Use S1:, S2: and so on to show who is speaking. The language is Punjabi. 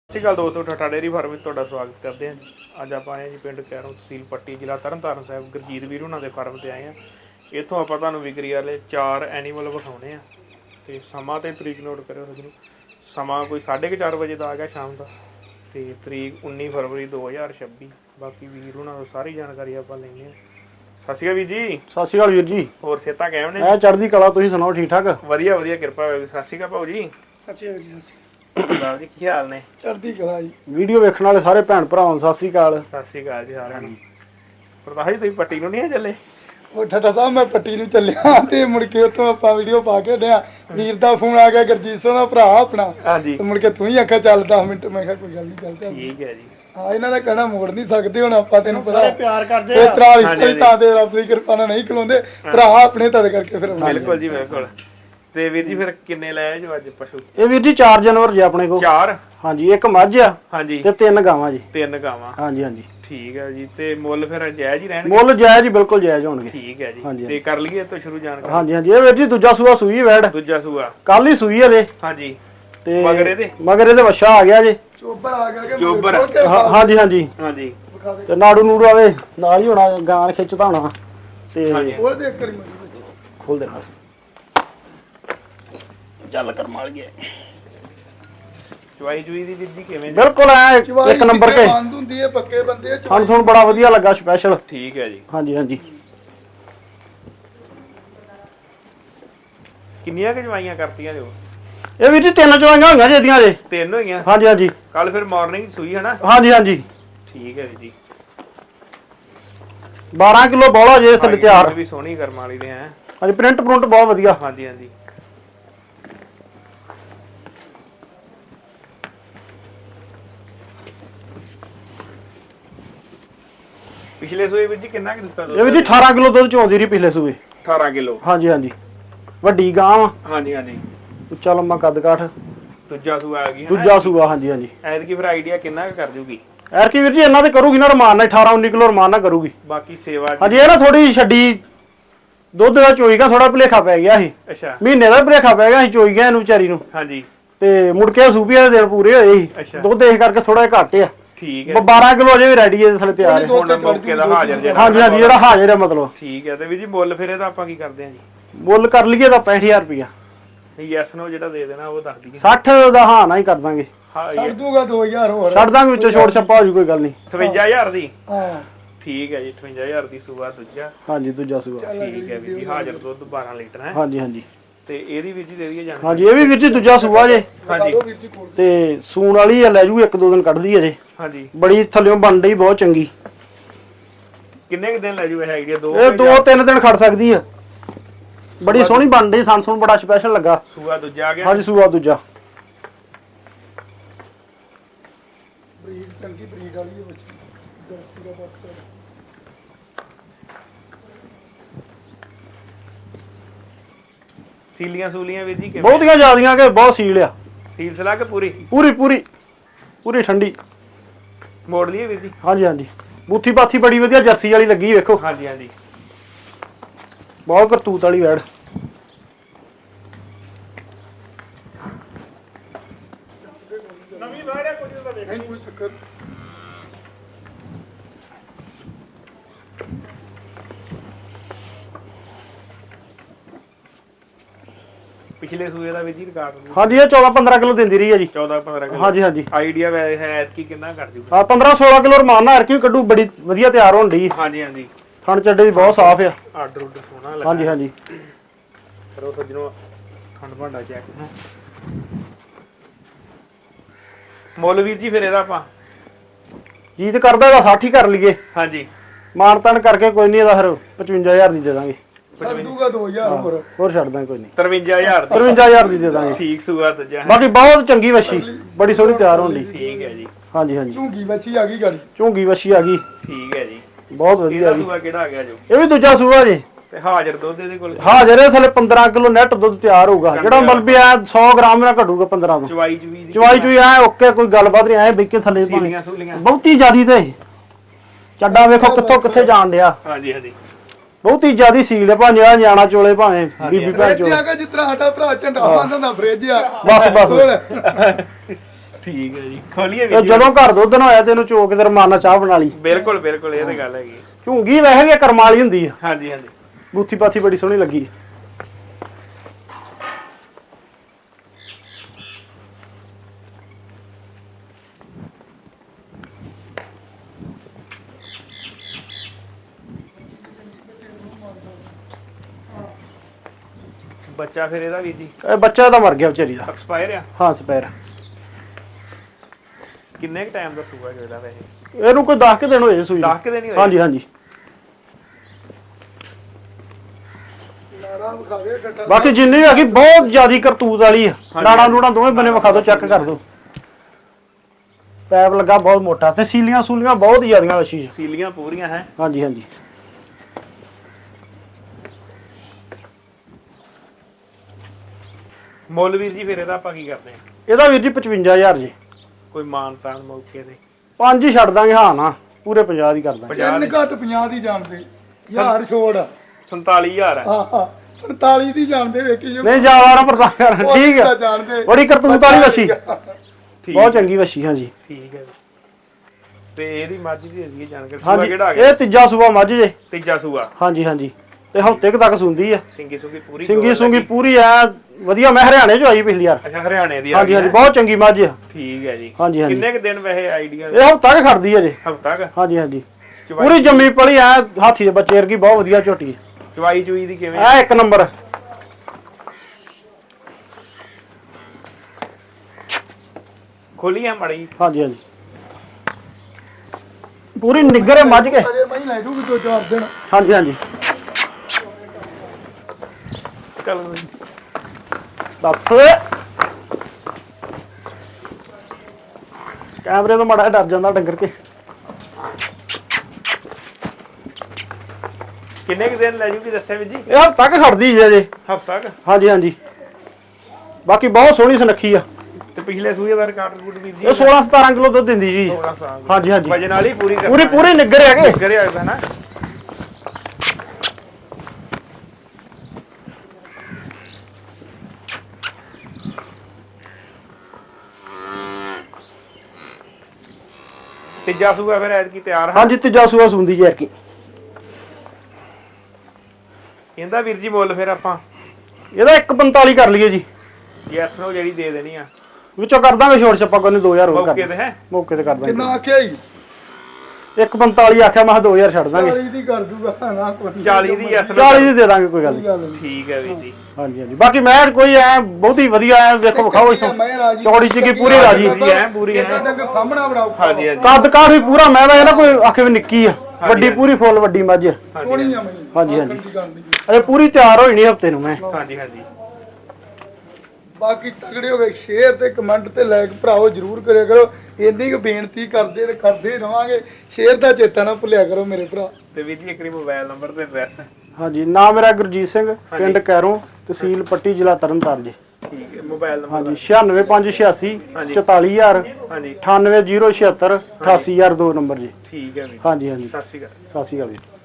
S1: ਸਤਿ ਸ਼੍ਰੀ ਅਕਾਲ ਦੋਸਤੋ, ਠਾਠਾ ਡੇਅਰੀ ਫਾਰਮ ਵਿੱਚ ਤੁਹਾਡਾ ਸਵਾਗਤ ਕਰਦੇ ਹਾਂ। ਅੱਜ ਆਪਾਂ ਆਏ ਜੀ ਪਿੰਡ ਕੈਰੋਂ, ਤਹਿਸੀਲ ਪੱਟੀ, ਜ਼ਿਲ੍ਹਾ ਤਰਨਤਾਰਨ ਸਾਹਿਬ। ਗੁਰਜੀਤ ਵੀਰ ਉਹਨਾਂ ਦੇ ਫਾਰਮ ਤੇ ਆਏ ਹਾਂ। ਇੱਥੋਂ ਆਪਾਂ ਤੁਹਾਨੂੰ ਵਿਕਰੀ ਵਾਲੇ 4 ਐਨੀਮਲ ਵਿਖਾਉਣੇ ਆ ਤੇ ਸਮਾਂ ਤੇ ਤਰੀਕ ਨੋਟ ਕਰਿਓ ਸੱਜਣੋ। ਸਮਾਂ ਕੋਈ 4:30 ਵਜੇ ਦਾ ਆ ਗਿਆ ਸ਼ਾਮ ਦਾ ਤੇ ਤਰੀਕ 19 ਫਰਵਰੀ 2026। ਬਾਕੀ ਵੀਰ ਉਹਨਾਂ ਤੋਂ ਸਾਰੀ ਜਾਣਕਾਰੀ ਆਪਾਂ ਲੈਂਦੇ ਹਾਂ। ਸਤਿ ਸ਼੍ਰੀ ਅਕਾਲ ਵੀਰ ਜੀ।
S2: ਸਤਿ ਸ਼੍ਰੀ ਅਕਾਲ ਵੀਰ ਜੀ।
S1: ਹੋਰ ਸਿਹਤਾਂ ਕਿਵੇਂ ਨੇ?
S2: ਮੈਂ ਚੜ੍ਹਦੀ ਕਲਾ, ਤੁਸੀਂ ਸੁਣਾਓ ਠੀਕ ਠਾਕ?
S1: ਵਧੀਆ ਵਧੀਆ, ਕਿਰਪਾ ਹੋਵੇ। ਸਤਿ ਸ਼੍ਰੀ ਅਕਾਲ ਭਾਊ ਜੀ।
S3: ਸਤਿ ਸ਼੍ਰੀ ਅਕਾਲ ਜੀ।
S1: ਸਰਦਾਰ ਜੀ ਕੀ ਹਾਲ ਨੇ?
S3: ਚੜ੍ਹਦੀ ਕਲਾ ਜੀ।
S2: ਵੀਡੀਓ ਵੇਖਣ ਵਾਲੇ ਸਾਰੇ ਭੈਣ ਭਰਾਵਾਂ ਨੂੰ ਸਤਿ ਸ਼੍ਰੀ ਅਕਾਲ।
S1: ਸਤਿ ਸ਼੍ਰੀ ਅਕਾਲ ਜੀ ਸਾਰਿਆਂ ਨੂੰ। ਪ੍ਰਤਾਪ ਜੀ ਤੁਸੀਂ ਪੱਟੀ ਨੂੰ ਨਹੀਂ ਚੱਲੇ?
S3: ਉਹ ਠੱਠਾ ਸਾਹਿਬ ਮੈਂ ਪੱਟੀ ਨੂੰ ਚੱਲਿਆ ਤੇ ਮੁੜ ਕੇ ਉੱਥੋਂ ਆਪਾਂ ਵੀਡੀਓ ਪਾ ਕੇ ਡਿਆ, ਵੀਰ ਦਾ ਫੋਨ ਆ ਗਿਆ, ਗੁਰਜੀਤ ਸਿੰਘ ਦਾ ਭਰਾ ਆਪਣਾ।
S1: ਹਾਂਜੀ।
S3: ਤੇ ਮੁੜ ਕੇ ਤੂੰ ਹੀ ਆਖਿਆ ਚੱਲ 10 ਮਿੰਟ। ਮੈਂ ਕਿਹਾ ਕੋਈ ਗੱਲ ਨਹੀਂ, ਚੱਲ ਚੱਲ।
S1: ਠੀਕ ਹੈ ਜੀ।
S3: ਹਾਂ, ਇਹਨਾਂ ਦਾ ਕਹਿਣਾ ਮੋੜ ਨਹੀਂ ਸਕਦੇ ਹੁਣ ਆਪਾਂ, ਤੈਨੂੰ ਪਤਾ
S2: ਪਿਆਰ ਕਰਦੇ
S3: ਇਹ ਤਰਾ ਰਿਸ਼ਤੇ ਤਾਂ ਦੇ ਰੱਬ ਦੀ ਕਿਰਪਾ ਨਾਲ ਨਹੀਂ ਖਲੋਂਦੇ ਭਰਾ ਆਪਣੇ, ਤਦ ਕਰਕੇ ਫਿਰ
S1: ਬਿਲਕੁਲ ਜੀ ਬਿਲਕੁਲ। ਤੇ ਵੀਰ ਜੀ ਫਿਰ ਕਿੰਨੇ ਲੈ ਜੋ ਅੱਜ ਪਸ਼ੂ?
S2: ਇਹ ਵੀਰ ਜੀ 4 ਜਾਨਵਰ ਜੀ ਆਪਣੇ ਕੋਲ।
S1: 4?
S2: ਹਾਂਜੀ, ਇੱਕ ਮੱਝ ਆ
S1: ਹਾਂਜੀ
S2: ਤੇ 3 ਗਾਵਾਂ ਜੀ।
S1: 3 ਗਾਵਾਂ।
S2: ਹਾਂਜੀ ਹਾਂਜੀ।
S1: ਠੀਕ ਹੈ ਜੀ। ਤੇ ਮੁੱਲ ਫਿਰ ਜਾਇਜ਼ ਹੀ ਰਹਿਣਗੇ?
S2: ਮੁੱਲ ਜਾਇਜ਼ ਜੀ, ਬਿਲਕੁਲ ਜਾਇਜ਼ ਹੋਣਗੇ।
S1: ਠੀਕ ਹੈ ਜੀ।
S2: ਹਾਂਜੀ।
S1: ਤੇ ਕਰ ਲਈਏ ਤੋਂ ਸ਼ੁਰੂ ਜਾਣਕਾਰੀ?
S2: ਹਾਂਜੀ ਹਾਂਜੀ। ਇਹ ਵੀਰ ਜੀ ਦੂਜਾ ਸੂਆ ਸੂਈ ਵੈੜ,
S1: ਦੂਜਾ ਸੂਆ
S2: ਕੱਲ ਹੀ ਸੂਈ ਹਲੇ।
S1: ਹਾਂਜੀ।
S2: ਤੇ
S1: ਮਗਰ
S2: ਇਹਦੇ ਵੱਛਾ ਆ ਗਿਆ ਜੀ।
S3: ਚੋਬਰ ਆ ਗਿਆ ਕਿ
S1: ਚੋਬਰ।
S2: ਹਾਂਜੀ ਹਾਂਜੀ।
S1: ਹਾਂਜੀ।
S3: ਤੇ
S2: ਨਾੜੂ ਨੂੜੂ ਆਵੇ ਨਾਲ ਹੀ ਹੋਣਾ, ਗਾਂ ਖਿੱਚਦਾ ਹੋਣਾ ਤੇ
S3: ਉਹ ਦੇਖ ਕਰੀ
S2: ਖੋਲ ਦੇਣਾ। ਚੱਲ ਕਰ ਮਾਲ ਗਿਆ।
S1: ਚਵਾਈ ਚੁਈ ਦੀ ਵੀਰ ਜੀ ਕਿਵੇਂ?
S2: ਬਿਲਕੁਲ ਐ ਇੱਕ ਨੰਬਰ ਤੇ
S3: ਬੰਦ ਹੁੰਦੀ ਹੈ, ਪੱਕੇ ਬੰਦੇ
S2: ਸਾਨੂੰ ਤੁਹਾਨੂੰ ਬੜਾ ਵਧੀਆ ਲੱਗਾ ਸਪੈਸ਼ਲ।
S1: ਠੀਕ ਹੈ ਜੀ।
S2: ਹਾਂਜੀ ਹਾਂਜੀ।
S1: ਕਿੰਨੀਆਂ ਕਿ ਚਵਾਈਆਂ ਕਰਤੀਆਂ ਜੋ?
S2: ਇਹ ਵੀਰ ਜੀ 3 ਚਵਾਈਆਂ ਹੋਈਆਂ ਜੀ ਇਹਦੀਆਂ ਜੇ।
S1: 3 ਹੋਈਆਂ?
S2: ਹਾਂਜੀ ਹਾਂਜੀ।
S1: ਕੱਲ ਫਿਰ ਮਾਰਨਿੰਗ ਸੂਈ ਹੈ ਨਾ?
S2: ਹਾਂਜੀ ਹਾਂਜੀ।
S1: ਠੀਕ ਹੈ ਜੀ।
S2: 12 ਕਿਲੋ ਬੋਲਾ ਜੇ ਥੱਲੇ ਤਿਆਰ।
S1: ਵੀ ਸੋਹਣੀ ਕਰਮ ਵਾਲੀ ਦੇ ਹੈ।
S2: ਹਾਂਜੀ, ਪ੍ਰਿੰਟ ਪ੍ਰਿੰਟ ਬਹੁਤ ਵਧੀਆ।
S1: ਹਾਂਜੀ ਹਾਂਜੀ। ਪਿਛਲੇ ਸੂਏ ਵਿੱਚ ਕਿੰਨਾ ਕਿ ਦਿੱਤਾ?
S2: ਇਹ ਵੀ ਜੀ 18 ਕਿਲੋ ਦੁੱਧ ਚੋਂਦੀ ਰਹੀ ਪਿਛਲੇ ਸੂਏ।
S1: 18 ਕਿਲੋ?
S2: ਹਾਂਜੀ ਹਾਂਜੀ। ਵੱਡੀ ਗਾਂ ਵਾ।
S1: ਹਾਂਜੀ ਹਾਂਜੀ।
S2: ਉੱਚਾ ਲੰਮਾ ਕੱਦ ਕਾਠ।
S1: ਦੂਜਾ ਸੂਆ ਆ ਗਈ?
S2: ਦੂਜਾ ਸੂਆ। ਹਾਂਜੀ ਹਾਂਜੀ।
S1: ਐਤਕੀ ਫਿਰ ਆਈਡੀਆ ਕਿੰਨਾ ਕੁ ਕਰ ਜੂਗੀ?
S2: ਐਰਕੀ ਵੀਰ ਜੀ ਇਹਨਾਂ ਤੇ ਕਰੂਗੀ ਨਾ ਰਮਾਨ ਨਾਲ, 18 19 ਕਿਲੋ ਰਮਾਨ ਨਾਲ ਕਰੂਗੀ।
S1: ਬਾਕੀ ਸੇਵਾ
S2: ਹਾਂਜੀ, ਇਹ ਨਾ ਥੋੜੀ ਛੱਡੀ ਦੁੱਧ ਦਾ ਚੋਈਗਾ, ਥੋੜਾ ਭੁਲੇਖਾ ਪੈ ਗਿਆ ਸੀ।
S1: ਅੱਛਾ।
S2: ਮਹੀਨੇ ਦਾ ਭੁਲੇਖਾ ਪੈ ਗਿਆ ਸੀ, ਚੋਈ ਗਿਆ ਇਹਨੂੰ ਵਿਚਾਰੀ ਨੂੰ।
S1: ਹਾਂਜੀ।
S2: ਤੇ ਮੁੜ ਕੇ ਸੂਪੀਆਂ ਦੇ ਦਿਨ ਪੂਰੇ ਹੋਏ ਸੀ, ਦੁੱਧ ਇਸ ਕਰਕੇ ਥੋੜਾ ਜਿਹਾ ਘੱਟ ਆ।
S1: ਠੀਕ ਹੈ।
S2: 12 ਕਿਲੋ ਅਜੇ ਵੀ ਰੈਡੀ ਹੈ, ਥੱਲੇ ਤਿਆਰ ਹੈ।
S1: ਹੁਣ ਮੌਕੇ ਦਾ ਹਾਜ਼ਰ ਜਿਹੜਾ?
S2: ਹਾਂਜੀ ਹਾਂਜੀ, ਜਿਹੜਾ ਹਾਜ਼ਰ ਹੈ ਮਤਲਬ।
S1: ਠੀਕ ਹੈ। ਤੇ ਵੀ ਜੀ ਮੁੱਲ ਫਿਰ ਇਹਦਾ ਆਪਾਂ ਕੀ ਕਰਦੇ ਹਾਂ ਜੀ?
S2: ਮੁੱਲ ਕਰ ਲਈਏ ਤਾਂ 65000 ਰੁਪਇਆ।
S1: ਯੈਸ ਨੋ ਜਿਹੜਾ ਦੇ ਦੇਣਾ ਉਹ ਦੱਸ ਦਈਏ।
S2: 60 ਦਾ ਹਾਂ ਨਾ ਹੀ ਕਰ ਦਾਂਗੇ।
S3: ਛੱਡ ਦੂਗਾ 2000 ਹੋਰ।
S2: ਛੱਡ ਦਾਂਗੇ, ਵਿੱਚੋਂ ਛੋਟ ਛੱਪਾ ਹੋ ਜੂ, ਕੋਈ ਗੱਲ ਨਹੀਂ।
S1: 58000 ਦੀ?
S3: ਹਾਂ
S1: ਠੀਕ ਹੈ ਜੀ। 58000 ਦੀ ਸੂਆ ਦੂਜਾ?
S2: ਹਾਂਜੀ, ਦੂਜਾ ਸੂਆ।
S1: ਠੀਕ ਹੈ ਵੀਰ ਜੀ। ਹਾਜ਼ਰ ਦੁੱਧ 12 ਲੀਟਰ ਹੈ?
S2: ਹਾਂਜੀ ਹਾਂਜੀ।
S1: ਤੇ ਇਹਦੀ ਵੀਰ ਜੀ ਦੇ ਦਈਏ ਜਾਣਕਾਰੀ?
S2: ਹਾਂਜੀ, ਇਹ ਵੀ ਵੀਰ ਜੀ ਦੂਜਾ ਸੂਆ ਜੇ।
S1: ਹਾਂਜੀ।
S2: ਤੇ ਸੂਣ ਵਾਲੀ ਆ, ਲੈ ਜੂ 1-2 ਦਿਨ ਕੱਢਦੀ ਅਜੇ।
S1: ਹਾਂਜੀ।
S2: ਬੜੀ ਥੱਲਿਓਂ ਬਣ ਰਹੀ, ਬਹੁਤ ਚੰਗੀ।
S1: ਕਿੰਨੇ ਕੁ ਦਿਨ ਲੈ ਜੂ ਇਹ ਆਈਡੀਆ?
S2: ਇਹ 2-3 ਦਿਨ ਖੜ ਸਕਦੀ ਆ। ਬੜੀ ਸੋਹਣੀ ਬਣ ਰਹੀ, ਸਾਨੂੰ ਬੜਾ ਸਪੈਸ਼ਲ ਲੱਗਾ।
S1: ਸੂਆ ਦੂਜਾ ਆ ਗਿਆ?
S2: ਹਾਂਜੀ, ਸੂਆ ਦੂਜਾ।
S3: ਬਰੀਡ ਚੰਗੀ ਬਰੀਡ ਵਾਲੀ ਹੈ ਬੱਚੀ। ਦਰਸੀ ਦਾ ਬਹੁਤ
S1: ਸੀਲੀਆਂ ਸੂਲੀਆਂ ਵੀਰ ਜੀ ਕਿਵੇਂ?
S2: ਬਹੁਤੀਆਂ ਜ਼ਿਆਦੀਆਂ ਕਿ ਬਹੁਤ ਸੀਲ ਆ।
S1: ਸੀਲ ਸਲਾ ਕੇ ਪੂਰੀ?
S2: ਪੂਰੀ ਪੂਰੀ ਪੂਰੀ ਠੰਡੀ।
S1: ਮੋੜ ਲਈਏ ਵੀਰ ਜੀ?
S2: ਹਾਂਜੀ ਹਾਂਜੀ। ਬੂਥੀ ਪਾਥੀ ਬੜੀ ਵਧੀਆ ਜਰਸੀ ਵਾਲੀ ਲੱਗੀ, ਵੇਖੋ।
S1: ਹਾਂਜੀ ਹਾਂਜੀ।
S2: ਬਹੁਤ ਕਰਤੂਤ ਵਾਲੀ ਵੈੜ।
S1: ਨਵੀਂ ਵਾੜਿਆ ਕੁਝ ਤਾਂ ਦੇਖ
S3: ਨਹੀਂ ਕੋਈ ਚੱਕਰ।
S1: ਪਿਛਲੇ ਸੂਏ ਦਾ ਵੀਰ ਜੀ ਰਿਕਾਰਡ?
S2: ਹਾਂਜੀ, ਇਹ 14-15 ਕਿਲੋ ਦਿੰਦੀ ਰਹੀ ਹੈ ਜੀ।
S1: 14-15 ਕਿਲੋ?
S2: ਹਾਂਜੀ ਹਾਂਜੀ।
S1: ਆਈਡੀਆ ਵੈਸੇ ਹੈ ਐਤਕੀ ਕਿੰਨਾ ਕਰ ਜੂਗਾ?
S2: ਹਾਂ, 15-16 ਕਿਲੋ ਰਮਾਨ ਨਾਲ ਐਰਕੀ ਕੱਢੂ, ਬੜੀ ਵਧੀਆ ਤਿਆਰ ਹੋਣ ਡਈ।
S1: ਹਾਂਜੀ ਹਾਂਜੀ।
S2: ਥਣ ਚੱਡੇ ਦੀ ਬਹੁਤ ਸਾਫ਼ ਆ।
S1: ਆਰਡਰ ਉਡਰ ਸੋਹਣਾ ਲੱਗਾ।
S2: ਹਾਂਜੀ ਹਾਂਜੀ।
S1: ਕਰੋ ਸੱਜਣੋ ਖੰਡ ਭਾਂਡਾ ਚੈੱਕ। ਮੁੱਲ ਵੀਰ ਜੀ ਫਿਰ ਇਹਦਾ ਆਪਾਂ
S2: ਜੀਤ ਕਰਦਾ ਇਹਦਾ 60 ਹੀ ਕਰ ਲਈਏ।
S1: ਹਾਂਜੀ।
S2: ਮਾਨ ਤਾਨ ਕਰਕੇ ਕੋਈ ਨਹੀਂ, ਇਹਦਾ ਫਿਰ 55000 ਦੀ ਦੇ ਦਾਂਗੇ।
S3: ਛੱਡ ਦੂਗਾ 2000
S2: ਹੋਰ ਛੱਡ ਦਾਂਗੇ, ਕੋਈ ਨਹੀਂ।
S1: 53000 ਦੀ?
S2: 55000 ਦੀ ਦੇ ਦਾਂਗੇ।
S1: ਠੀਕ ਸੂਆ ਦੂਜਾ?
S2: ਬਾਕੀ ਬਹੁਤ ਚੰਗੀ ਵੱਛੀ, ਬੜੀ ਸੋਹਣੀ ਤਿਆਰ ਹੋਣ ਡਈ।
S1: ਠੀਕ ਹੈ ਜੀ।
S2: ਹਾਂਜੀ ਹਾਂਜੀ।
S3: ਝੂੰਗੀ ਬੱਚੀ ਆ ਗਈ ਗਾੜੀ।
S2: ਝੂੰਗੀ ਵੱਛੀ ਆ ਗਈ।
S1: ਠੀਕ ਹੈ ਜੀ।
S2: ਬਹੁਤ ਵਧੀਆ
S1: ਇਹਦਾ
S2: ਜੀ।
S1: ਸੂਆ ਕਿਹੜਾ ਆ ਗਿਆ ਜੋ?
S2: ਇਹ ਵੀ ਦੂਜਾ ਸੂਆ ਜੀ।
S1: ਤੇ ਹਾਜ਼ਰ ਦੁੱਧ ਇਹਦੇ ਕੋਲ?
S2: ਹਾਜ਼ਰ ਹੈ, ਥੱਲੇ 15 ਕਿਲੋ ਨੈਟ ਦੁੱਧ ਤਿਆਰ ਹੋਊਗਾ, ਜਿਹੜਾ ਮਲਬੀ ਆ 100 ਗ੍ਰਾਮ ਨਾਲ ਘਟੂਗਾ 15 ਤੋਂ।
S1: ਚਵਾਈ ਚੁਈ ਦੀ?
S2: ਚਵਾਈ ਚੁਈ ਐ ਓਕੇ, ਕੋਈ ਗੱਲਬਾਤ ਨਹੀਂ। ਐ ਬਿੱਕੇ ਥੱਲੇ
S1: ਸੀਲੀਆਂ ਸੂਲੀਆਂ?
S2: ਬਹੁਤੀ ਜ਼ਿਆਦੀ ਤੇ ਚੱਡਾ ਵੇਖੋ ਕਿੱਥੋਂ ਕਿੱਥੇ ਜਾਣ ਡਿਆ।
S1: ਹਾਂਜੀ ਹਾਂਜੀ।
S2: ਬਹੁਤੀ ਜ਼ਿਆਦੀ ਸੀਲ ਹੈ, ਭਾਵੇਂ ਆ ਨਿਆਣਾ ਚੋਲੇ, ਭਾਵੇਂ ਬੀਬੀ ਭੈਣ
S3: ਫ੍ਰਿਜ
S2: ਚੋਲੇ।
S3: ਆ ਗਿਆ, ਜਿਸ ਤਰ੍ਹਾਂ ਸਾਡਾ ਭਰਾ ਝੰਡਾ ਬੰਦ ਹੁੰਦਾ ਫ੍ਰਿਜ ਆ।
S2: ਬਸ ਬਸ।
S1: ਠੀਕ ਹੈ ਜੀ, ਖੋਲੀਏ
S2: ਤੇ
S1: ਵੀਰ ਜੀ।
S2: ਜਦੋਂ ਘਰ ਦੁੱਧ ਨਾ ਹੋਇਆ ਤੇ ਇਹਨੂੰ ਚੋ ਕੇ ਤੇ ਰਮਾਨਾ ਚਾਹ ਬਣਾ ਲਈ।
S1: ਬਿਲਕੁਲ ਬਿਲਕੁਲ, ਇਹ ਤਾਂ ਗੱਲ ਹੈਗੀ।
S2: ਝੂੰਗੀ ਵੈਸੇ ਵੀ ਕਰਮਾਂ ਵਾਲੀ ਹੁੰਦੀ ਆ।
S1: ਹਾਂਜੀ ਹਾਂਜੀ,
S2: ਬੂਥੀ ਪਾਥੀ ਬੜੀ ਸੋਹਣੀ ਲੱਗੀ।
S1: ਬੱਚਾ ਫਿਰ ਇਹਦਾ ਵੀਰ ਜੀ
S2: ਇਹ ਬੱਚਾ ਤਾਂ ਮਰ ਗਿਆ ਵਿਚਾਰੀ ਦਾ।
S1: ਐਕਸਪਾਇਰ ਆ?
S2: ਹਾਂ ਸਪੈਰ।
S1: ਕਿੰਨੇ ਕ ਟਾਈਮ ਦਾ ਸੂਆ ਜਿਹੜਾ ਵੈਸੇ?
S2: ਇਹਨੂੰ ਕੋਈ 10 ਦਿਨ ਹੋਏ ਸੂਈ
S1: 10 ਦਿਨ ਹੀ ਹੋਏ?
S2: ਹਾਂਜੀ ਹਾਂਜੀ।
S3: ਨਾੜਾ ਵਿਖਾ ਦੇ ਗੱਟਾ।
S2: ਬਾਕੀ ਜਿੰਨੀ ਹੈਗੀ ਬਹੁਤ ਜ਼ਿਆਦੀ ਕਰਤੂਤ ਵਾਲੀ ਆ।
S1: ਹਾਂਜੀ।
S2: ਨਾੜਾਂ ਨੂੜਾਂ ਦੋਵੇਂ ਬੰਨੇ ਵਿਖਾ ਦਿਓ, ਚੈੱਕ ਕਰ ਦਿਓ। ਪੈਪ ਲੱਗਾ ਬਹੁਤ ਮੋਟਾ ਤੇ ਸੀਲੀਆਂ ਸੂਲੀਆਂ ਬਹੁਤ ਜ਼ਿਆਦੀਆਂ ਵੱਛੀ ਚ।
S1: ਸੀਲੀਆਂ ਪੂਰੀਆਂ ਹੈ?
S2: ਹਾਂਜੀ ਹਾਂਜੀ।
S1: ਮੁੱਲ ਵੀਰ ਜੀ ਫਿਰ ਇਹਦਾ ਆਪਾਂ ਕੀ ਕਰਦੇ ਆ?
S2: ਇਹਦਾ ਵੀਰ ਜੀ 55000 ਜੀ।
S1: ਕੋਈ ਮਾਨਤਾਨ ਮੌਕੇ ਤੇ?
S2: 5 ਹੀ ਛੱਡ ਦਾਂਗੇ। ਹਾਂ ਨਾ ਪੂਰੇ 50 ਦੀ ਕਰ ਦਾਂਗੇ।
S3: 50 ਘੱਟ 50 ਦੀ ਜਾਣਦੇ ਯਾਰ ਛੋੜ।
S1: 47000 ਹੈ?
S3: ਹਾਂ 45 ਦੀ ਜਾਣਦੇ ਵੇਖੀ ਜੋ।
S2: ਨਹੀਂ ਜ਼ਿਆਦਾ ਨਾ ਪ੍ਰਦਾਨ ਕਰ। ਠੀਕ
S3: ਤਾਂ
S2: ਹੈ,
S3: ਜਾਣਦੇ
S2: ਬੜੀ ਕਰਤੂਤ ਵਾਲੀ ਵੱਛੀ,
S1: ਠੀਕ
S2: ਬਹੁਤ ਚੰਗੀ ਵੱਛੀ। ਹਾਂਜੀ
S1: ਠੀਕ ਹੈ। ਤੇ ਇਹਦੀ ਮੱਝ ਦੀ ਹੈਗੀ ਜਾਣਕਾਰੀ? ਸੂਆ
S2: ਹਾਂਜੀ,
S1: ਕਿਹੜਾ ਆ ਗਿਆ?
S2: ਇਹ ਤੀਜਾ ਸੂਆ ਮੱਝ ਜੇ।
S1: ਤੀਜਾ ਸੂਆ?
S2: ਹਾਂਜੀ ਹਾਂਜੀ। ਤੇ ਹਫ਼ਤੇ ਤੱਕ ਸੂੰਦੀ ਆ।
S1: ਸਿੰਗੀ ਸੁੰਗੀ ਪੂਰੀ?
S2: ਸਿੰਗੀ ਸੁੰਗੀ ਪੂਰੀ ਐ ਵਧੀਆ। ਮੈਂ ਹਰਿਆਣੇ ਚ ਆਈ ਪਿਛਲੀ ਵਾਰ।
S1: ਅੱਛਾ, ਹਰਿਆਣੇ ਦੀ ਆ
S2: ਹਾਂਜੀ
S1: ਗਈ
S2: ਹਾਂਜੀ,
S1: ਹੈ?
S2: ਬਹੁਤ ਚੰਗੀ ਮੱਝ ਆ।
S1: ਠੀਕ ਹੈ ਜੀ।
S2: ਹਾਂਜੀ ਹਾਂਜੀ।
S1: ਕਿੰਨੇ ਕ ਦਿਨ ਵੈਸੇ ਆਈਡੀਆ?
S2: ਇਹ ਹਫ਼ਤਾ ਕੁ ਖੜਦੀ ਆ ਜੇ।
S1: ਹਫਤਾ ਕ?
S2: ਹਾਂਜੀ ਹਾਂਜੀ।
S1: ਚਵਾਈ-
S2: ਪੂਰੀ ਜੰਮੀ ਪਲੀ ਐ ਹਾਥੀ ਦੇ ਬੱਚੇ ਵਰਗੀ, ਬਹੁਤ ਵਧੀਆ ਝੋਟੀ
S1: ਚਵਾਈ ਚੂਈ ਦੀ ਕਿਵੇਂ?
S2: ਐ ਇੱਕ ਨੰਬਰ।
S1: ਖੋਲੀ ਆ ਮੜੀ?
S2: ਹਾਂਜੀ ਹਾਂਜੀ, ਪੂਰੀ ਨਿੱਗਰ ਮੱਝ ਕੇ।
S3: ਅਰੇ ਮੈਂ ਲੈ ਦੂੰਗੀ 2-4 ਦਿਨ।
S2: ਹਾਂਜੀ ਹਾਂਜੀ।
S1: ਚਲ
S2: ਦੱਸ। ਕੈਮਰੇ ਤੋਂ ਮਾੜਾ ਜਿਹਾ ਡਰ ਜਾਂਦਾ ਡੰਗਰ ਕੇ।
S1: ਕਿੰਨੇ ਕ ਦਿਨ ਲੈ ਜੂਗੀ ਦੱਸਿਆ ਵੀਰ ਜੀ?
S2: ਇਹ ਹਫ਼ਤਾ ਕੁ ਖੜਦੀ ਜੇ ਜੇ।
S1: ਹਫਤਾ ਕ?
S2: ਹਾਂਜੀ ਹਾਂਜੀ। ਬਾਕੀ ਬਹੁਤ ਸੋਹਣੀ ਸੁਨੱਖੀ ਆ।
S1: ਤੇ ਪਿਛਲੇ ਸੂਏ ਦਾ ਰਿਕਾਰਡ ਰਿਕੂਡ ਵੀਰ ਜੀ?
S2: ਇਹ 16-17 ਕਿਲੋ ਦੁੱਧ ਦਿੰਦੀ ਜੀ।
S1: 16 ਸਾਲ?
S2: ਹਾਂਜੀ ਹਾਂਜੀ।
S1: ਵਜਨ ਵਾਲੀ ਪੂਰੀ?
S2: ਪੂਰੀ ਪੂਰੀ ਨਿੱਗਰ ਹੈਗੇ।
S1: ਕਰੇ ਆਇਆ ਨਾ? ਤੀਜਾ ਸੂਆ ਫਿਰ ਐਤਕੀ ਤਿਆਰ ਹੈ?
S2: ਹਾਂਜੀ, ਤੀਜਾ ਸੂਆ ਸੁੰਦੀ ਜੀ ਐਰਕੀ।
S1: ਇਹਦਾ ਵੀਰ ਜੀ ਮੁੱਲ ਫਿਰ ਆਪਾਂ
S2: ਇਹਦਾ 145 ਕਰ ਲਈਏ ਜੀ।
S1: ਯੈਸ ਨੋ ਜਿਹੜੀ ਦੇ ਦੇਣੀ ਆ?
S2: ਵਿੱਚੋਂ ਕਰ ਦਾਂਗੇ ਛੋੜ ਛੱਪਾ ਕੋਈ 2000 ਹੋਰ ਕਰ
S1: ਮੌਕੇ ਤੇ ਹੈ?
S2: ਮੌਕੇ ਤੇ ਕਰ ਦਾਂਗੇ।
S3: ਕਿੰਨਾ ਆਖਿਆ ਜੀ?
S2: 145 ਆਖਿਆ, ਮੈਂ 2000 ਛੱਡ ਦਾਂਗੇ।
S3: 40 ਦੀ ਕਰ ਦੂਗਾ ਨਾ ਕੋਈ।
S1: 40 ਦੀ ਯੈਸ ਨੋ?
S2: 40 ਦੀ ਦੇ ਦਾਂਗੇ, ਕੋਈ ਗੱਲ
S3: ਕੋਈ
S2: ਨਹੀਂ।
S3: ਗੱਲ ਨਹੀਂ।
S1: ਠੀਕ ਹੈ ਵੀਰ ਜੀ।
S2: ਹਾਂਜੀ ਹਾਂਜੀ। ਬਾਕੀ ਮੈਂ ਕੋਈ ਐ ਬਹੁਤੀ ਵਧੀਆ ਐ, ਵੇਖੋ ਵਿਖਾਓ ਇਥੋਂ ਚੌੜੀ ਚਿੱਕੀ ਪੂਰੀ ਰਾਜੀ।
S1: ਜੀ ਐ ਪੂਰੀ ਹੈ?
S3: ਡੰਗਰ ਸਾਹਮਣਾ ਬਣਾਓ।
S1: ਹਾਂਜੀ ਹਾਂਜੀ।
S2: ਕੱਦ ਕਾਠ ਵੀ ਪੂਰਾ। ਮੈਂ ਤਾਂ ਇਹਦਾ ਕੋਈ ਆਖੇ ਵੀ ਨਿੱਕੀ ਆ, ਵੱਡੀ
S1: ਹਾਂਜੀ।
S2: ਪੂਰੀ ਫੁੱਲ ਵੱਡੀ ਮੱਝ ਆ।
S3: ਸੋਹਣੀ ਆ ਮੈਂ।
S2: ਹਾਂਜੀ, ਹਾਂਜੀ।
S3: ਆਖਣ ਦੀ ਗੱਲ ਨਹੀਂ।
S2: ਅਜੇ ਪੂਰੀ ਤਿਆਰ ਹੋਈ ਨਹੀਂ ਹਫਤੇ ਨੂੰ ਮੈਂ।
S1: ਹਾਂਜੀ ਹਾਂਜੀ।
S3: ਬਾਕੀ ਤਗੜੇ ਹੋ ਗਏ, ਸ਼ੇਅਰ ਤੇ ਕਮੈਂਟ ਤੇ ਲਾਈਕ ਭਰਾਓ ਜਰੂਰ ਕਰਿਆ ਕਰੋ। ਇੰਨੀ ਕੁ ਬੇਨਤੀ ਕਰਦੇ ਤੇ ਕਰਦੇ ਰਵਾਂਗੇ। ਸ਼ੇਅਰ ਦਾ ਚੇਤਾ ਨਾ ਭੁੱਲਿਆ ਕਰੋ ਮੇਰੇ ਭਰਾ।
S1: ਤੇ ਵੀਰ ਜੀ ਇੱਕ ਵਾਰੀ ਮੋਬਾਈਲ ਨੰਬਰ ਤੇ ਐਡਰੈਸ?
S2: ਹਾਂਜੀ, ਨਾਮ ਮੇਰਾ ਗੁਰਜੀਤ ਸਿੰਘ, ਪਿੰਡ ਕੈਰੋਂ, ਤਹਿਸੀਲ ਪੱਟੀ, ਜ਼ਿਲ੍ਹਾ ਤਰਨਤਾਰਨ ਜੀ।
S1: ਠੀਕ ਹੈ। Mobile number?
S2: ਹਾਂਜੀ, 96586
S1: ਹਾਂਜੀ।
S2: 44000
S1: ਹਾਂਜੀ
S2: 98076 88002 ਨੰਬਰ ਜੀ।
S1: ਠੀਕ ਹੈ ਵੀਰ।
S2: ਹਾਂਜੀ ਹਾਂਜੀ।
S1: ਸਤਿ ਸ਼੍ਰੀ ਅਕਾਲ।
S2: ਸਤਿ ਸ਼੍ਰੀ ਅਕਾਲ ਜੀ।